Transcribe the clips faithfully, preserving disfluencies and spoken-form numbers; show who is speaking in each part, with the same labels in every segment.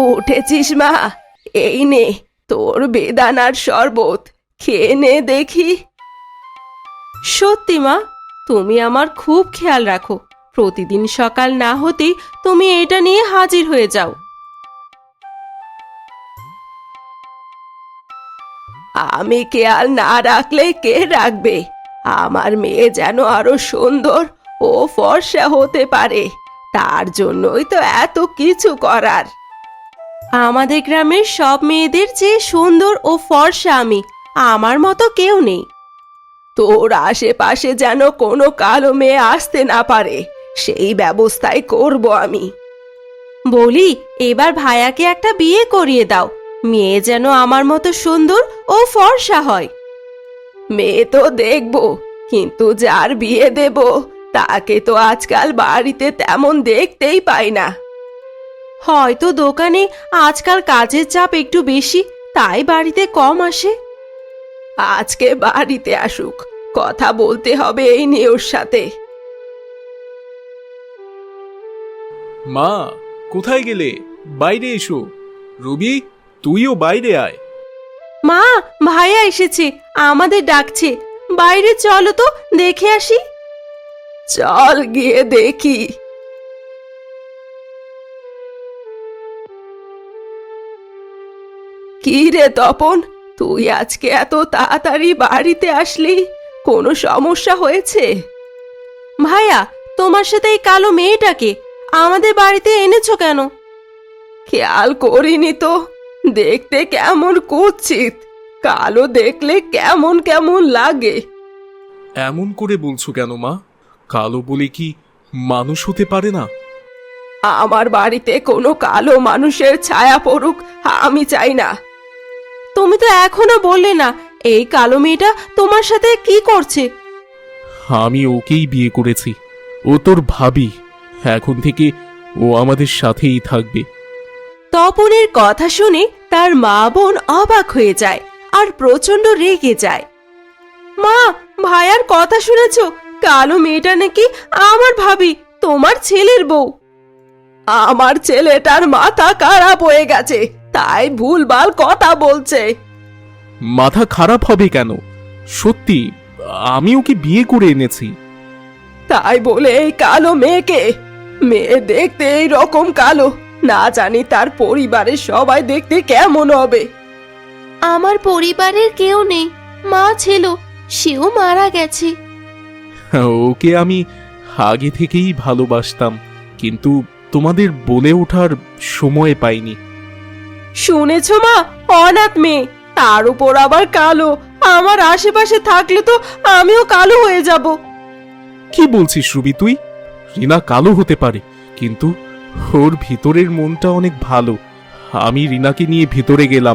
Speaker 1: উঠেছিস মা? এই নে তোর বেদানার শরবত, খেয়ে নে দেখি। সত্যি মা, তুমি আমার খুব খেয়াল রাখো। প্রতিদিন সকাল না হতেই তুমি এটা নিয়ে হাজির হয়ে যাও। আমি খেয়াল না রাখলে কে রাখবে? আমার মেয়ে যেন আরো সুন্দর ও ফর্সা হতে পারে, তার জন্যই তো এত কিছু করার। আমাদের গ্রামের সব মেয়েদের চেয়ে সুন্দর ও ফর্সা আমি, আমার মতো কেউ নেই। তোর আশেপাশে যেন কোনো কালো মেয়ে আসতে না পারে, সেই ব্যবস্থাই করব আমি। বলি, এবার ভাইয়াকে একটা বিয়ে করিয়ে দাও, মেয়ে যেন আমার মতো সুন্দর ও ফর্সা হয়। মেয়ে তো দেখব, কিন্তু যার বিয়ে দেব তাকে তো আজকাল বাড়িতে তেমন দেখতেই পাই না। হয়তো দোকানে আজকাল কাজের চাপ একটু বেশি, তাই বাড়িতে কম আসে। আজকে বাড়িতে আসুক, কথা বলতে হবে এই নিয়ে ওর সাথে।
Speaker 2: মা, কোথায় গেলে? বাইরে এসো। রবি, তুইও বাইরে আয়।
Speaker 1: মা, ভাইয়া এসেছে, আমাদের ডাকছে। বাইরে চলো তো, দেখে আসি। চল গিয়ে দেখি। কি রে তপন, তুই আজকে এত তাড়াতাড়ি বাড়িতে আসলি? কোনো সমস্যা হয়েছে? ভাইয়া, তোমার সাথে এই কালো মেয়েটাকে আমাদের বাড়িতে এনেছো কেন? খেয়াল করিনি তো, দেখতে কেমন কুৎসিত, কালো দেখলে কেমন কেমন লাগে।
Speaker 2: এমন করে বলছো কেন মা? কালো বলে কি মানুষ হতে পারে না?
Speaker 1: আমার বাড়িতে কোনো কালো মানুষের ছায়া পড়ুক আমি চাই না। তুমি তো এখনো বললে না এই কালো মেয়েটা তোমার সাথে কি করছে।
Speaker 2: আমি ওকেই বিয়ে করেছি, ও তোর ভাবি। এখন থেকে ও আমাদের সাথেই থাকবে।
Speaker 1: তপনের কথা শুনে তার মা বোন অবাক হয়ে যায় আর প্রচন্ড রেগে যায়। মা, ভাইয়ার কথা শুনেছো? কালো মেয়েটা নাকি আমার ভাবি, তোমার ছেলের বউ। আমার ছেলেটার মাথা খারাপ হয়ে গেছে, তাই ভুলভাল কথা বলছে।
Speaker 2: মাথা খারাপ হবে কেন? সত্যি আমি ওকে বিয়ে করে এনেছি।
Speaker 1: তাই বলে এই কালো মেয়েকে? মেয়ে দেখতে এই রকম কালো, না জানি তার পরিবারের সবাই দেখতে কেমন হবে।
Speaker 3: আমার পরিবারের কেউ নেই, মা ছিল, সেও মারা গেছে।
Speaker 2: ওকে আমি আগে থেকেই ভালোবাসতাম, কিন্তু তোমাদের বলে ওঠার সময় পাইনি।
Speaker 1: শুনেছ মা, অনাথ মেয়ে, তার উপর আবার কালো। আমার আশেপাশে থাকলে তো আমিও কালো হয়ে যাব।
Speaker 2: কি বলছিস রুবি তুই? রিনা কালো হতে পারে, কিন্তু ওর ভিতরের মনটা অনেক ভালো। আমি রিনাকে নিয়ে ভিতরে গেলাম।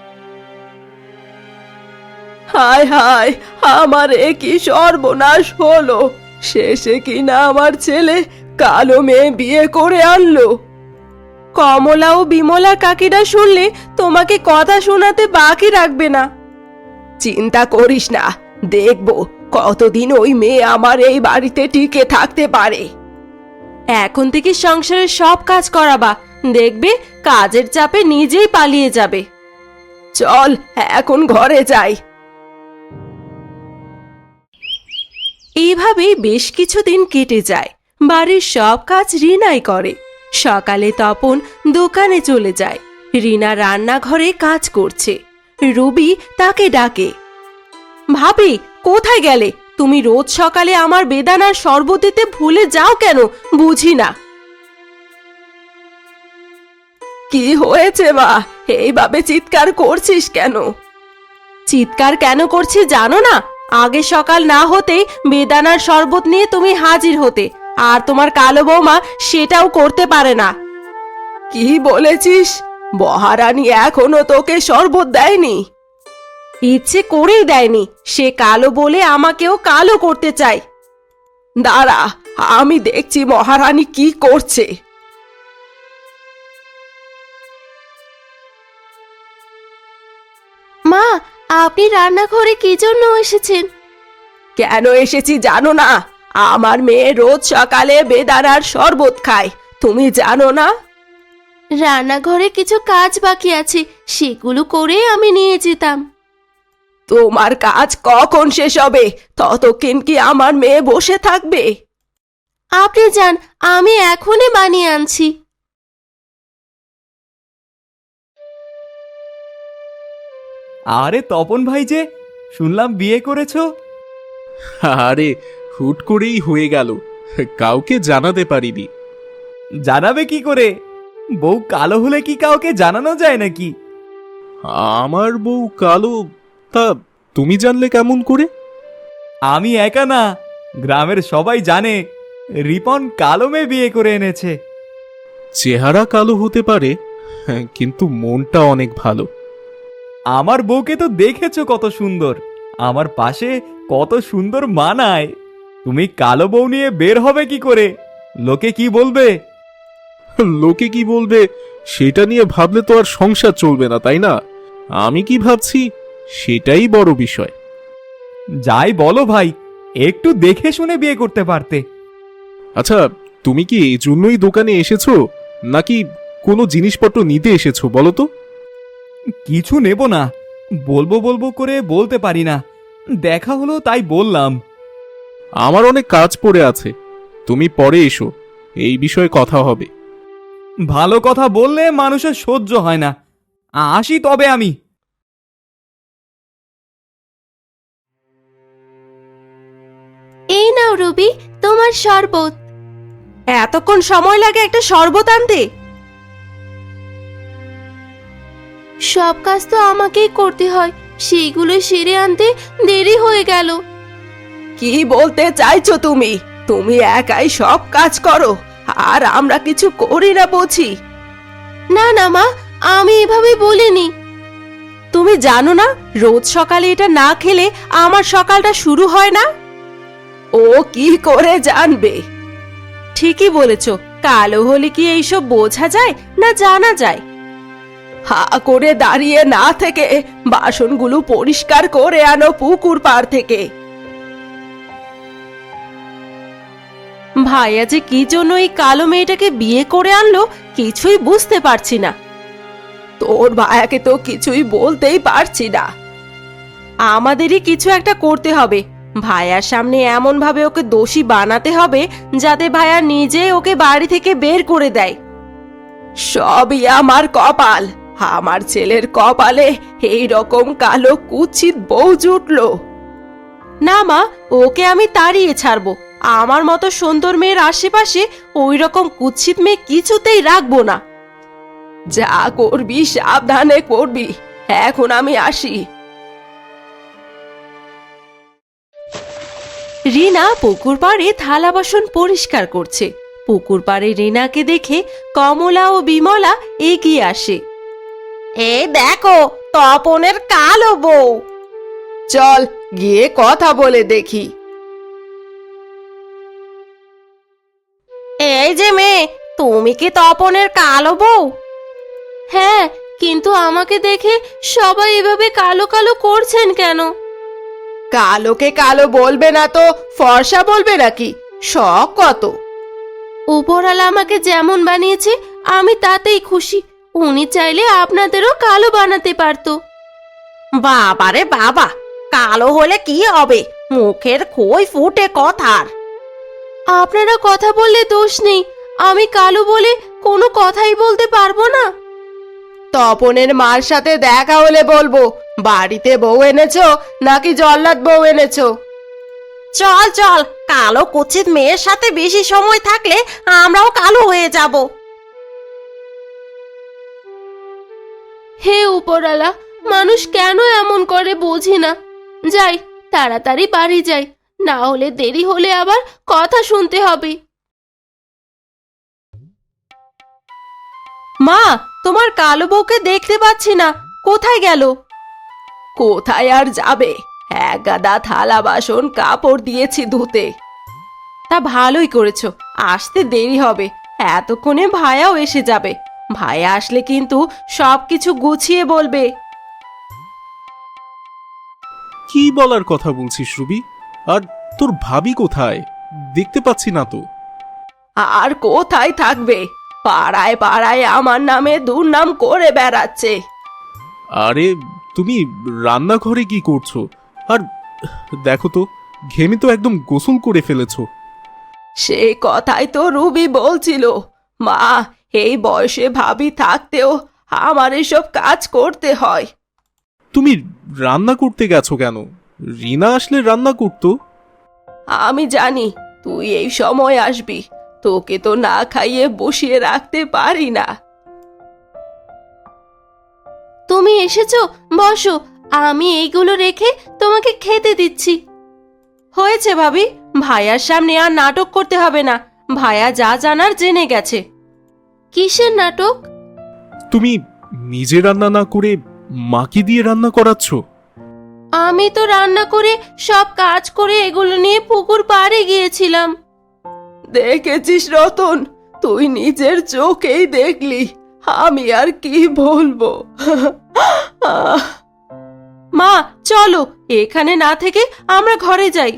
Speaker 1: হায় হায়, আমার এ কি সর্বনাশ হলো! শেষে কিনা আমার ছেলে কালো মেয়ে বিয়ে করে আনলো। কমলা ও বিমলা কাকিরা শুনলে তোমাকে কথা শোনাতে বাকি রাখবে না। চিন্তা করিস না, দেখবো কতদিন ওই মেয়ে আমার এই বাড়িতে টিকে থাকতে পারে। এখন থেকে সংসারের সব কাজ করাবা, দেখবে কাজের চাপে নিজেই পালিয়ে যাবে। চল এখন ঘরে যাই। এইভাবেই বেশ কিছুদিন কেটে যায়। বাড়ির সব কাজ রিনাই করে। সকালে তপন দোকানে চলে যায়, রিনা রান্নাঘরে কাজ করছে। রুবি তাকে ডাকে, ভাবি কোথায় গেলে? তুমি রোজ সকালে আমার বেদানার শরবত দিতে ভুলে যাও কেন, বুঝি না। কি হয়েছে মা, এইভাবে চিৎকার করছিস কেন? চিৎকার কেন করছি জানো না? আগে সকাল না হতেই বেদানার শরবত নিয়ে তুমি হাজির হতে, আর তোমার কালো বৌমা সেটাও করতে পারে না। কি বলেছিস? মহারানী এখনো তোকে শরবত দেয়নি? ইচ্ছে করেই দেয়নি, সে কালো বলে আমাকেও কালো করতে চায়। দাঁড়া, আমি দেখছি মহারানী কি করছে।
Speaker 3: মা, আপনি রান্নাঘরে কি জন্য এসেছেন?
Speaker 1: কেন এসেছি জানো না? আমার মেয়ে রোজ সকালে বেদানার শরবত খায়, তুমি জানো না?
Speaker 3: রান্নাঘরে কিছু কাজ বাকি আছে, সেগুলো করে আমি নিয়ে যেতাম।
Speaker 1: তোমার কাজ কখন শেষ হবে? ততক্ষণ কি আমার মেয়ে বসে থাকবে?
Speaker 3: আপনি যান, আমি এখনই বানিয়ে আনছি।
Speaker 4: আরে তপন ভাই যে, শুনলাম বিয়ে করেছো?
Speaker 2: আরে হুট করেই হয়ে গেল, কাউকে জানাতে পারিনি।
Speaker 4: জানাবে কি করে? বউ কালো হলে কি কাউকে জানানো যায় নাকি?
Speaker 2: আমার বউ কালো? তা তুমি জানলে কেমন করে?
Speaker 4: আমি একা না, গ্রামের সবাই জানে রিপন কালো মেয়ে বিয়ে করে এনেছে।
Speaker 2: চেহারা কালো হতে পারে, হ্যাঁ, কিন্তু মনটা অনেক ভালো।
Speaker 4: আমার বউকে তো দেখেছো কত সুন্দর, আমার পাশে কত সুন্দর মানায়। তুমি কালো বউ নিয়ে বের হবে কি করে? লোকে কি বলবে?
Speaker 2: লোকে কি বলবে সেটা নিয়ে ভাবলে তো আর সংসার চলবে না, তাই না? আমি কি ভাবছি সেটাই বড় বিষয়।
Speaker 4: যাই বলো ভাই, একটু দেখে শুনে বিয়ে করতে পারতে।
Speaker 2: আচ্ছা, তুমি কি এই জন্যই দোকানে এসেছো, নাকি কোনো জিনিসপত্র নিতে এসেছো বলো তো?
Speaker 4: কিছু নেব না, বলবো বলবো করে বলতে পারি না, দেখা হলো তাই বললাম।
Speaker 2: আমার অনেক কাজ পড়ে আছে, তুমি পরে এসো, এই বিষয়ে কথা হবে।
Speaker 4: ভালো কথা বললে মানুষের সহ্য হয় না। আসি তবে আমি।
Speaker 3: এই নাও রবি, তোমার শরবত।
Speaker 1: এতক্ষণ সময় লাগে একটা শরবত আনতে?
Speaker 3: সব কাজ তো আমাকেই করতে হয়, সেইগুলো সেরে আনতে দেরি হয়ে গেল।
Speaker 1: কি বলতে চাইছো তুমি? তুমি একাই সব কাজ করো আর আমরা কিছু করি না বুঝি?
Speaker 3: না না মা, আমি এভাবে বলিনি।
Speaker 1: তুমি জানো না রোজ সকালে এটা না খেলে আমার সকালটা শুরু হয় না? ও কি করে জানবে? ঠিকই বলেছ, কালো হলে কি এইসব বোঝা যায় না জানা যায়? হা করে দাঁড়িয়ে না থেকে বাসনগুলো পরিষ্কার করে আনো পুকুর পাড় থেকে। ভাইয়া যে কি জন্য এই কালো মেয়েটাকে বিয়ে করে আনলো কিছুই বুঝতে পারছি না। তোর ভাইয়াকে তো কিছুই বলতেই পারছি না। আমাদেরই কিছু একটা করতে হবে, ভাইয়ার সামনে এমন ভাবে ওকে দোষী বানাতে হবে যাতে ভাইয়া নিজে ওকে বাড়ি থেকে বের করে দেয়। সবই আমার কপাল, আমার ছেলের কপালে এই রকম কালো কুৎসিত বউ জুটলো। না মা, ওকে আমি তাড়িয়ে ছাড়বো। আমার মতো সুন্দর মেয়ের আশেপাশে ওই রকম কুৎসিত মেয়ে কিছুতেই রাখবো না। যা করবি সাবধানে করবি। এখন আমি আসি। রিনা পুকুর পাড়ে থালা বাসন পরিষ্কার করছে। পুকুর পাড়ে রিনাকে দেখে কমলা ও বিমলা এগিয়ে আসে। এই দেখো তপনের কালো বউ। চল গিয়ে কথা বলে দেখি। এই যে মেয়ে, তুমি কি তপনের কালো বউ?
Speaker 3: হ্যাঁ, কিন্তু আমাকে দেখে সবাই এভাবে কালো কালো করছেন কেন?
Speaker 1: কালোকে কালো বলবে না তো ফর্সা বলবে নাকি? শখ কত।
Speaker 3: উপরওয়ালা আমাকে যেমন বানিয়েছে আমি তাতেই খুশি। উনি চাইলে আপনাদেরও কালো বানাতে পারতো।
Speaker 1: বাবারে বাবা, কালো হলে কি হবে? মুখের খই ফুটে কথার।
Speaker 3: আপনারা কথা বললে দোষ নেই, আমি কালো বলে কোনো কথাই বলতে পারবো না।
Speaker 1: তপনের মার সাথে দেখা হলে বলবো বাড়িতে বউ এনেছো নাকি জল্লাদ বউ এনেছো। চল চল, কালো কুৎসিত মেয়ের সাথে বেশি সময় থাকলে আমরাও কালো হয়ে যাব।
Speaker 3: হে উপরওয়ালা, মানুষ কেন এমন করে বুঝি না। যাই, তাড়াতাড়ি বাড়ি যাই, না হলে দেরি হলে আবার কথা শুনতে হবে।
Speaker 1: মা, তোমার কালো বউকে দেখতে পাচ্ছি না, কোথায় গেল? কোথায় আর যাবে, এক গাদা থালা বাসন কাপড় দিয়েছি ধুতে। তা ভালোই করেছো, আসতে দেরি হবে, এতক্ষণে ভাইয়াও এসে যাবে। ভাইয়া আসলে কিন্তু সবকিছু গুছিয়ে বলবে।
Speaker 2: কি বলার কথা বলছিস রুবি? আর তোর ভাবি কোথায়? দেখতে পাচ্ছি না তো।
Speaker 1: আর কোথায় থাকবে, পাড়ায় পাড়ায় আমার নামে দুর্নাম করে বেড়াচ্ছে।
Speaker 2: আরে তুমি রান্নাঘরে কি করছো? আর দেখো তো, ঘেমে তো একদম গোসল করে ফেলেছো।
Speaker 1: সেই কথাই তো রুবি বলছিল, মা এই বয়সে ভাবি থাকতেও আমার এসব কাজ করতে হয়।
Speaker 2: তুমি রান্না করতে গেছো কেন? রিনা আসলে রান্না করতো।
Speaker 1: আমি জানি তুই এই সময় আসবি, তোকে তো না খাইয়ে বসিয়ে রাখতে পারি না।
Speaker 3: তুমি এসেছো, বসো, আমি এইগুলো রেখে তোমাকে খেতে দিচ্ছি। হয়েছে ভাবি, ভাইয়ার সামনে আর নাটক করতে হবে না। ভাইয়া যা জানার জেনে গেছে। কিসের নাটক?
Speaker 2: তুমি নিজে রান্না না করে মাকে দিয়ে রান্না করাচ্ছ।
Speaker 3: আমি তো রান্না করে সব কাজ করে এগুলো নিয়ে পুকুর পাড়ে গিয়েছিলাম।
Speaker 1: দেখেছিস রতন, তুই নিজের চোখেই দেখলি, আমি আর কি বলবো।
Speaker 3: মা চলো, এখানে না থেকে আমরা ঘরে যাই।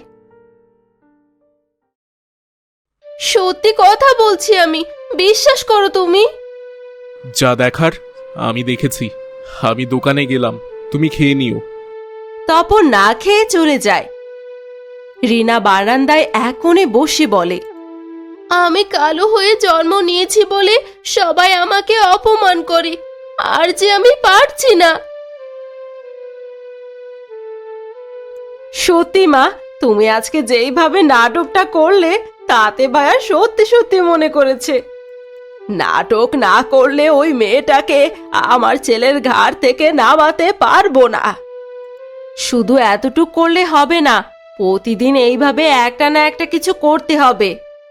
Speaker 3: সত্যি কথা বলছি আমি, বিশ্বাস করো তুমি।
Speaker 2: যা দেখার আমি দেখেছি। আমি দোকানে গেলাম, তুমি খেয়ে নিও।
Speaker 3: তপন না খেয়ে চলে যায়। রিনা বারান্দায় এক কোণে বসে বলে, আমি কালো হয়ে জন্ম নিয়েছি বলে সবাই আমাকে অপমান করে, আর যে আমি পারছি না।
Speaker 1: সত্যি মা, তুমি আজকে যেইভাবে নাটকটা করলে তাতে ভাইয়া সত্যি সত্যি মনে করেছে। নাটক না করলে ওই মেয়েটাকে আমার ছেলের ঘাড় থেকে নামাতে পারবো না।
Speaker 3: শুধু এতটুক করলে হবে না, প্রতিদিন এইভাবে একটা না একটা কিছু করতে হবে।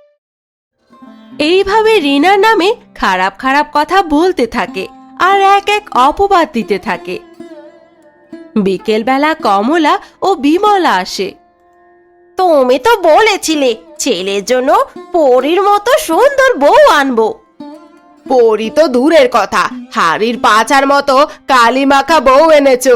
Speaker 3: এইভাবে রিনার নামে খারাপ খারাপ কথা বলতে থাকে আর এক এক অপবাদ দিতে থাকে। বিকেলবেলা কমলা ও বিমলা আসে। তুমি তো বলেছিলে ছেলের জন্য পরীর মতো সুন্দর বউ আনবো।
Speaker 1: পরি তো দূরের কথা, হাড়ির পাচার মতো কালি মাখা বউ এনেছো।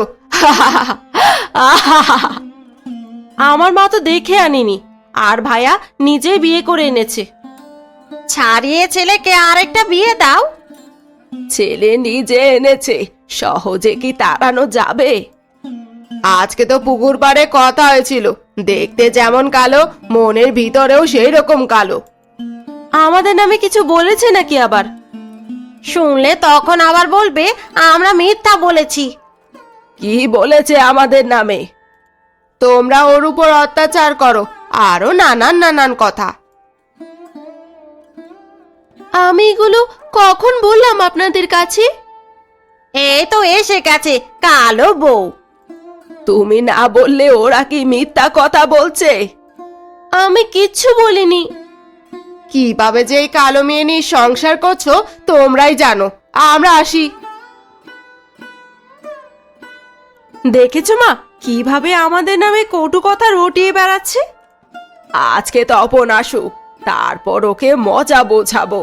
Speaker 3: আমার মা তো দেখে আনিনি, আর ভাইয়া নিজে বিয়ে করে এনেছে। ছাড়িয়ে ছেলেকে আরেকটা বিয়ে দাও।
Speaker 1: ছেলে নিজে এনেছে, সহজে কি তাড়ানো যাবে? আজকে তো পুকুর পাড়ে কথা হয়েছিল, দেখতে যেমন কালো মনের ভিতরেও সেই রকম কালো।
Speaker 3: আমাদের নামে কিছু বলেছে নাকি আবার? শুনলে তখন আবার বলবে আমরা মিথ্যা বলেছি।
Speaker 1: কি বলেছে আমাদের নামে? তোমরা ওর উপর অত্যাচার করো, আরো নানান নানান কথা।
Speaker 3: আমি এগুলো কখন বললাম আপনাদের কাছে? এই তো এসে গেছে কালো বউ।
Speaker 1: তুমি না বললে ওরা কি মিথ্যা কথা বলছে?
Speaker 3: আমি কিচ্ছু বলিনি।
Speaker 1: কিভাবে যে এই কালো মেয়ে নিয়ে সংসার করছো তোমরাই জানো, আমরা আসি।
Speaker 3: দেখেছো মা, কিভাবে আমাদের নামে কটু কথা রটিয়ে বেড়াচ্ছে।
Speaker 1: আজকে তপন আসুক, তারপর ওকে মজা বোঝাবো।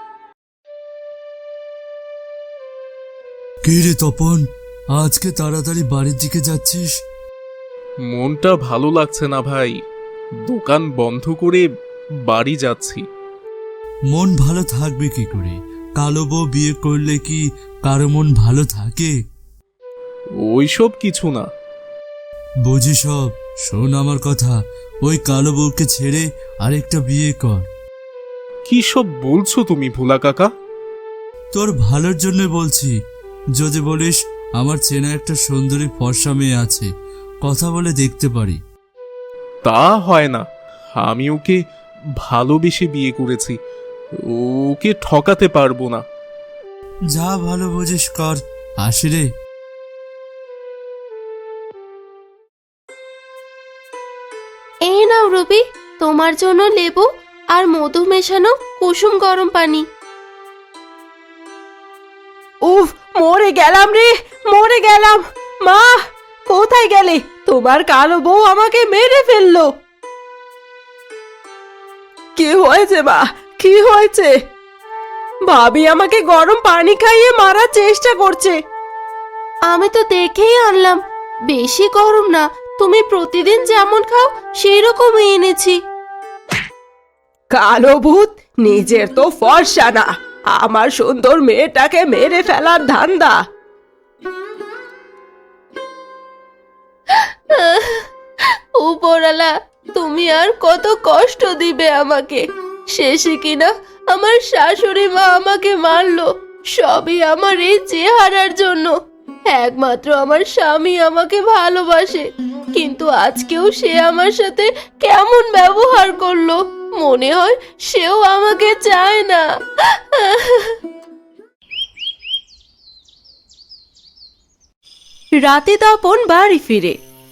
Speaker 5: কি রে তপন, আজকে তাড়াতাড়ি বাড়ির দিকে যাচ্ছিস?
Speaker 2: মনটা ভালো লাগছে না ভাই, দোকান বন্ধ করে বাড়ি যাচ্ছি।
Speaker 5: মন ভালো থাকবে কি করে? কালো বউ বিয়ে করলে কি কারো মন ভালো থাকে?
Speaker 2: ওইসব কিছু না।
Speaker 5: বুঝি সব, শোন আমার কথা, ওই কালো বউকে ছেড়ে আরেকটা বিয়ে কর।
Speaker 2: কি সব বলছো তুমি ভোলা কাকা?
Speaker 5: তোর ভালোর জন্য বলছি। যদি বলিস আমার চেনা একটা সুন্দরী ফর্সা মেয়ে আছে, কথা বলে দেখতে পারি।
Speaker 2: তা হয় না, আমি ওকে ভালোবেসে বিয়ে করেছি, ওকে ঠকাতে পারবো না।
Speaker 5: যা ভালো বুঝিস কর, আসি রে।
Speaker 3: এই নাও রবি, তোমার জন্য লেবু আর মধু মেশানো কুসুম গরম পানি।
Speaker 1: উফ, মরে গেলাম রে, মরে গেলাম। মা কোথায় গেলে? তোমার কালো বউ আমাকে মেরে ফেললো। কি হয়েছে মা, কি হয়েছে? ভাবি আমাকে গরম পানি খাইয়ে মারার চেষ্টা করছে।
Speaker 3: আমি তো দেখেই আনলাম, বেশি গরম না, তুমি প্রতিদিন যেমন খাও সেই রকমই এনেছি।
Speaker 1: কালো ভূত, নিজের তো ফর্সা না, আমার সুন্দর মেয়েটাকে মেরে ফেলার ধান্দা।
Speaker 3: উপরওয়ালা, তুমি আর কত কষ্ট দিবে আমাকে? শেষে কিনা আমার শাশুড়ি মা আমাকে মারলো, সবই আমার এই চেহারার জন্য। একমাত্র আমার স্বামী আমাকে ভালোবাসে, কিন্তু আজকেও সে আমার সাথে কেমন ব্যবহার করলো, মনে হয় সেও আমাকে চায় না।
Speaker 1: রাতে তপন বাড়ি ফিরে।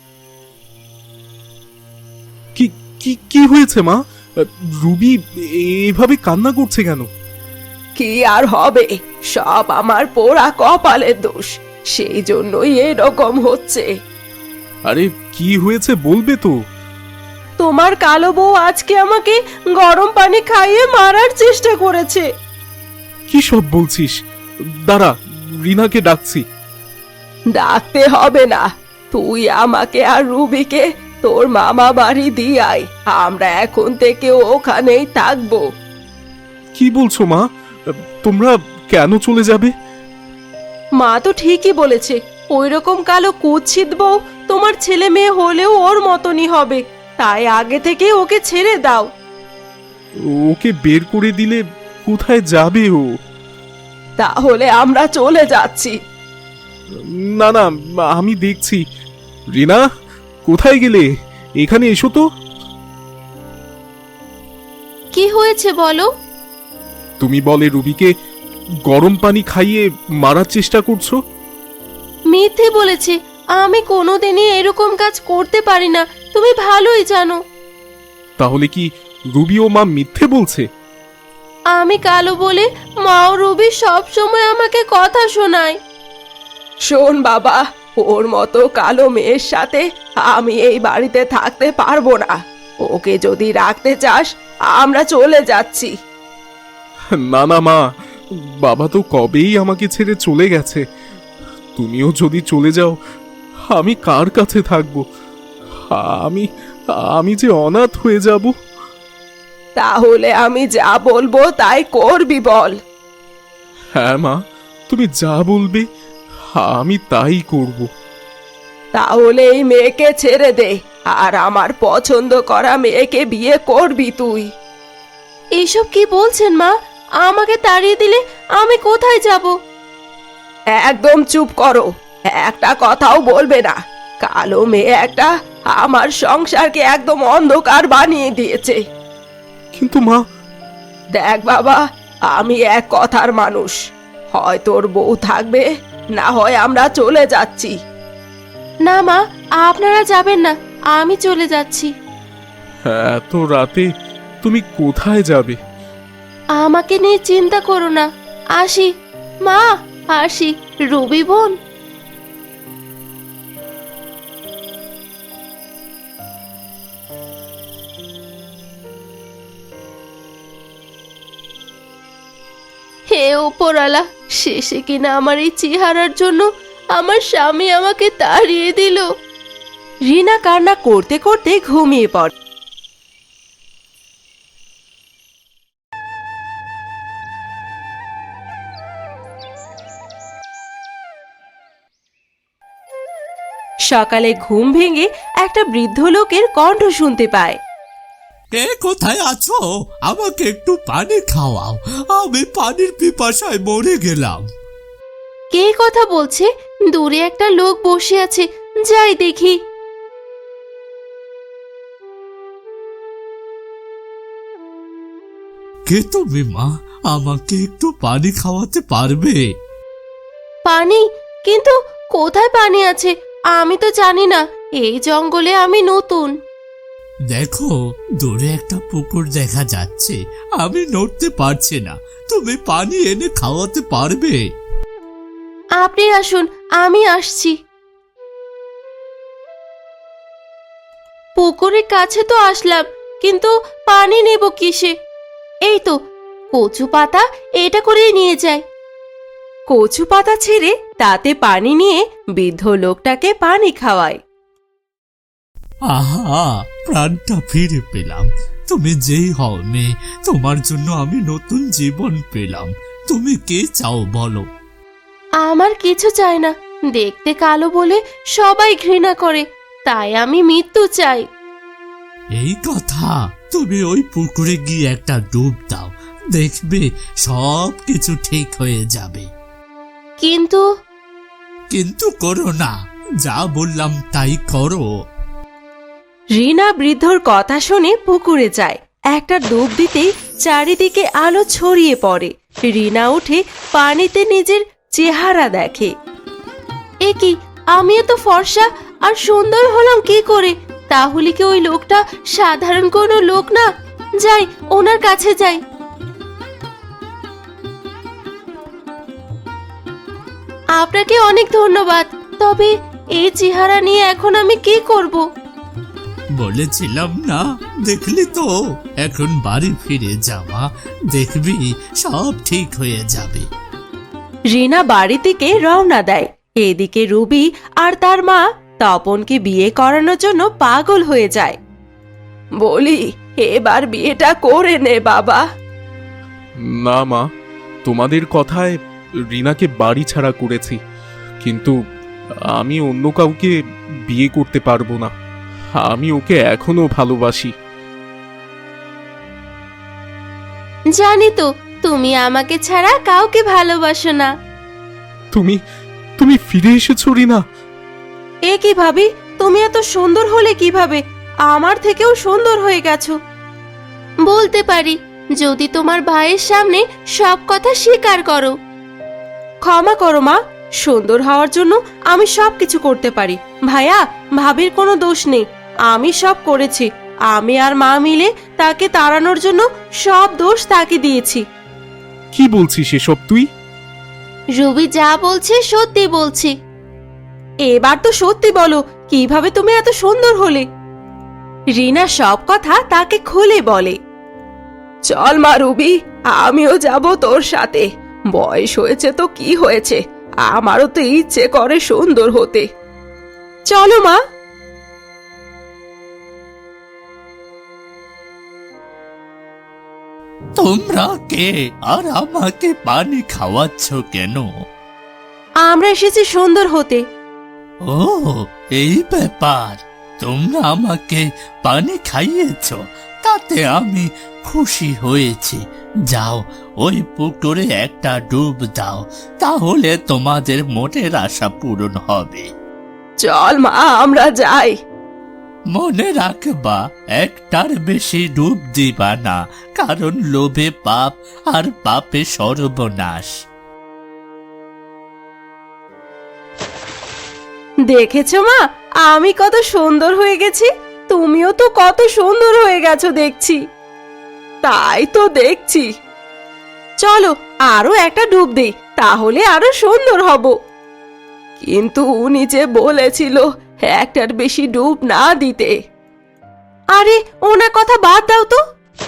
Speaker 2: কি কি কি হয়েছে মা? রুবি এভাবে কান্না করছে কেন?
Speaker 1: কি আর হবে, সব আমার পোড়া কপালের দোষ, সেই জন্যই এরকম হচ্ছে।
Speaker 2: আরে কি হয়েছে বলবে তো?
Speaker 1: তোমার কালো বউ আজকে আমাকে গরম পানি খাইয়ে মারার চেষ্টা করেছে।
Speaker 2: কি সব বলছিস? দাঁড়া, রিনাকে ডাকছি।
Speaker 1: ডাকতে হবে না, তুই আমাকে আর রুবিকে তোর মামা বাড়ি দিয়ে আয়, আমরা এখন থেকে ওখানেই থাকবো।
Speaker 2: কি বলছো মা? তোমরা কেন চলে যাবে?
Speaker 1: মা তো ঠিকই বলেছে, ওই রকম কালো কুৎসিত বউ তোমার ছেলে মেয়ে হলেও ওর মতনই হবে, তাই আগে থেকে ওকে ছেড়ে দাও।
Speaker 2: ওকে বের করে দিলে কোথায় যাবে ও?
Speaker 1: তাহলে আমরা চলে যাচ্ছি।
Speaker 2: না না, আমি দেখছি। রিনা, কোথায় গেলে? এখানে এসো তো।
Speaker 3: কি হয়েছে বলো?
Speaker 2: তুমি বলে রুবিকে গরম পানি খাইয়ে মারার চেষ্টা করছো।
Speaker 3: মিথ্যে বলেছে, আমি কোনোদিনই এরকম কাজ করতে পারি না, তুমি ভালোই জানো।
Speaker 2: তাহলে কি রুবি ও মা মিথ্যে বলছে?
Speaker 3: আমি কালো বলে মা ও রুবি সব সময় আমাকে কথা শোনায়।
Speaker 1: শোন বাবা, ওর মতো কালো মেয়ের সাথে আমি এই বাড়িতে থাকতে পারবো না, ওকে যদি রাখতে চাস আমরা চলে যাচ্ছি।
Speaker 2: না না মা, বাবা তো কবেই আমাকে ছেড়ে চলে গেছে। তুমিও যদি চলে যাও আমি কার কাছে থাকবো? আমি আমি যে অনাথ হয়ে যাব।
Speaker 1: তাহলে আমি যা বলবো তাই করবি বল।
Speaker 2: হ্যাঁ মা, তুমি যা বলবে আমি তাই করব।
Speaker 1: তাহলে এই মেয়েকে ছেড়ে দে, আর আমার পছন্দ করা মেয়েকে বিয়ে করবি তুই।
Speaker 3: এইসব কি বলছেন মা? আমাকে তাড়িয়ে দিলে আমি কোথায় যাব?
Speaker 1: একদম চুপ করো, একটা কথাও বলবে না। কালো মেয়ে একটা আমার সংসারকে একদম অন্ধকার বানিয়ে দিয়েছে।
Speaker 2: কিন্তু মা,
Speaker 1: দেখ বাবা, আমি এক কথার মানুষ, হয় তোর বউ থাকবে, না হয় আমরা চলে যাচ্ছি।
Speaker 3: না মা, আপনারা যাবেন না, আমি চলে যাচ্ছি।
Speaker 2: এত রাতে তুমি কোথায় যাবে?
Speaker 3: আমাকে নিয়ে চিন্তা করো না, আসি মা, আসি। রবি বোন, হে ওপরওয়ালা, শেষে কিনা আমার এই চেহারার জন্য আমার স্বামী আমাকে তাড়িয়ে দিল।
Speaker 1: রিনা কান্না করতে করতে ঘুমিয়ে পড়ে। সকালে ঘুম ভেঙে একটা বৃদ্ধ লোকের কণ্ঠ শুনতে পায়।
Speaker 5: কে কোথায় আছো? আমাকে একটু পানি খাওয়াও, আমি পানির পিপাসায় মরে গেলাম।
Speaker 3: কে কথা বলছে? দূরে একটা লোক বসে আছে, যাই দেখি।
Speaker 5: কে তুমি মা? আমাকে একটু পানি খাওয়াতে পারবে?
Speaker 3: পানি? কিন্তু কোথায় পানি আছে আমি তো জানি না, এই জঙ্গলে আমি নতুন।
Speaker 5: দেখো, দূরে একটা পুকুর দেখা যাচ্ছে, আমি নড়তে পারছি না, তুমি পানি এনে খাওয়াতে পারবে?
Speaker 3: আপনি আসুন, আমি আসছি। পুকুরের কাছে তো আসলাম, কিন্তু পানি নেব কিসে? এই তো কচু পাতা, এটা করে নিয়ে যাই।
Speaker 1: কচু পাতা ছেড়ে তাতে পানি নিয়ে বৃদ্ধ লোকটাকে পানি খাওয়ায়।
Speaker 5: আহা, প্রাণটা ফিরে পেলাম। তুমি যেই হও মেয়ে, তোমার জন্য আমি নতুন জীবন পেলাম। তুমি কি চাও বলো?
Speaker 3: আমার কিছু চাই না, দেখতে কালো বলে সবাই ঘৃণা করে, তাই আমি মৃত্যু চাই।
Speaker 5: এই কথা? তুমি ওই পুকুরে গিয়ে একটা ডুব দাও, দেখবে সব কিছু ঠিক হয়ে যাবে।
Speaker 3: কিন্তু
Speaker 5: কিন্তু করো না, যা বললাম তাই করো।
Speaker 3: রিনা বৃদ্ধর কথা শুনে পুকুরে যায়। একটা ডুব দিতেই চারিদিকে আলো ছড়িয়ে পড়ে। রিনা উঠে পানিতে নিজের চেহারা দেখে। এ কি, আমি এত ফর্সা আর সুন্দর হলাম কি করে? তাহলে কি ওই লোকটা সাধারণ কোনো লোক না? যাই, ওনার কাছে যাই। আপনাকে অনেক ধন্যবাদ, তবে এই চেহারা নিয়ে এখন আমি কি করব?
Speaker 5: বলেছিলাম না, দেখলি তো? এখন বাড়ি ফিরে যাওয়া, দেখবি সব ঠিক হয়ে যাবে।
Speaker 3: রিনা বাড়ি থেকে রওনা দেয়। এদিকে রুবি আর তার মা তপনকে বিয়ে করানোর জন্য পাগল হয়ে যায়।
Speaker 1: বলি, এবার বিয়েটা করে নে বাবা।
Speaker 2: না মা, তোমাদের কথায় রিনাকে বাড়ি ছাড়া করেছি, কিন্তু আমি অন্য কাউকে বিয়ে করতে পারবো না। আমি ওকে এখনো ভালোবাসি।
Speaker 3: জানি তো তুমি আমাকে ছাড়া কাউকে ভালোবাসো না।
Speaker 2: তুমি তুমি ফিরে এসেছো রিনা?
Speaker 3: এ কি ভাবি, তুমি এত সুন্দর হলে কিভাবে? আমার থেকেও সুন্দর হয়ে গেছো। বলতে পারি, যদি তোমার ভাইয়ের সামনে সব কথা স্বীকার করো। ক্ষমা করো মা, সুন্দর হওয়ার জন্য আমি সব কিছু করতে পারি। ভাইয়া, ভাবির কোনো দোষ নেই, আমি সব করেছি। আমি আর মা মিলে তাকে তাড়ানোর জন্য সব দোষ তাকে দিয়েছি।
Speaker 2: কি বলছিস এসব তুই?
Speaker 3: রুবি যা বলছে সত্যি বলছি। এবার তো সত্যি বলো, কিভাবে তুমি এত সুন্দর হলে? রিনা সব কথা তাকে খুলে বলে।
Speaker 1: চল মা রুবি, আমিও যাব তোর সাথে। বয়স হয়েছে তো কি হয়েছে, আমারও তো ইচ্ছে করে সুন্দর হতে।
Speaker 3: চলো মা।
Speaker 5: তোমরা কে আর আমাকে পানি খাওয়াচ্ছ কেন?
Speaker 3: আমরা এসেছি সুন্দর হতে।
Speaker 5: ও, এই ব্যাপার। তোমরা আমাকে পানি খাইয়েছ, তাতে আমি খুশি হয়েছি। যাও, ওই পুকুরে একটা ডুব দাও, তাহলে তোমাদের মনের আশা পূরণ হবে।
Speaker 1: চল মা, আমরা যাই।
Speaker 5: মনে রাখবা, একটার বেশি ডুব দিবা না, কারণ লোভে পাপ আর পাপে সর্বনাশ।
Speaker 3: দেখেছো মা, আমি কত সুন্দর হয়ে গেছি, তুমিও তো কত সুন্দর হয়ে গেছো দেখছি।
Speaker 1: তাই তো দেখছি।
Speaker 3: চলো আরো একটা ডুব দেই, তাহলে আরো সুন্দর হব।
Speaker 1: কিন্তু উনি যে বলেছিল একটার বেশি ডুব না দিতে।
Speaker 3: আরে ওনার কথা বাদ দাও তো।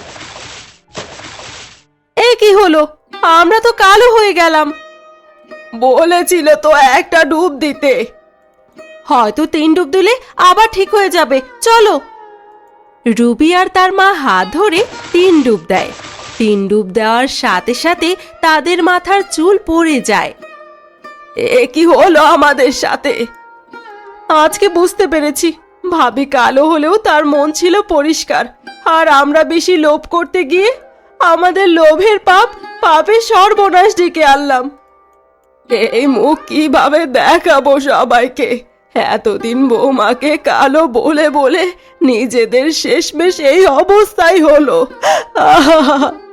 Speaker 3: এ কি হলো, আমরা তো কালো হয়ে গেলাম।
Speaker 1: বলেছিল তো একটা ডুব দিতে।
Speaker 3: হয়তো তিন ডুব দিলে আবার ঠিক হয়ে যাবে, চলো। রুবি আর তার মা হাত ধরে তিন ডুব দেয়। তিন ডুব দেওয়ার সাথে সাথে তাদের মাথার চুল পড়ে যায়।
Speaker 1: এ কি হলো আমাদের সাথে? আজকে বুঝতে পেরেছি, ভাবি কালো হলেও তার মন ছিল পরিষ্কার, আর আমরা বেশি লোভ করতে গিয়ে আমাদের লোভের পাপ পাপের সর্বনাশ ডেকে আনলাম। এই মুখ কিভাবে দেখাবো সবাইকে? এতদিন বৌমাকে কালো বলে বলে নিজেদের শেষমেশ এই অবস্থাই হলো। আহা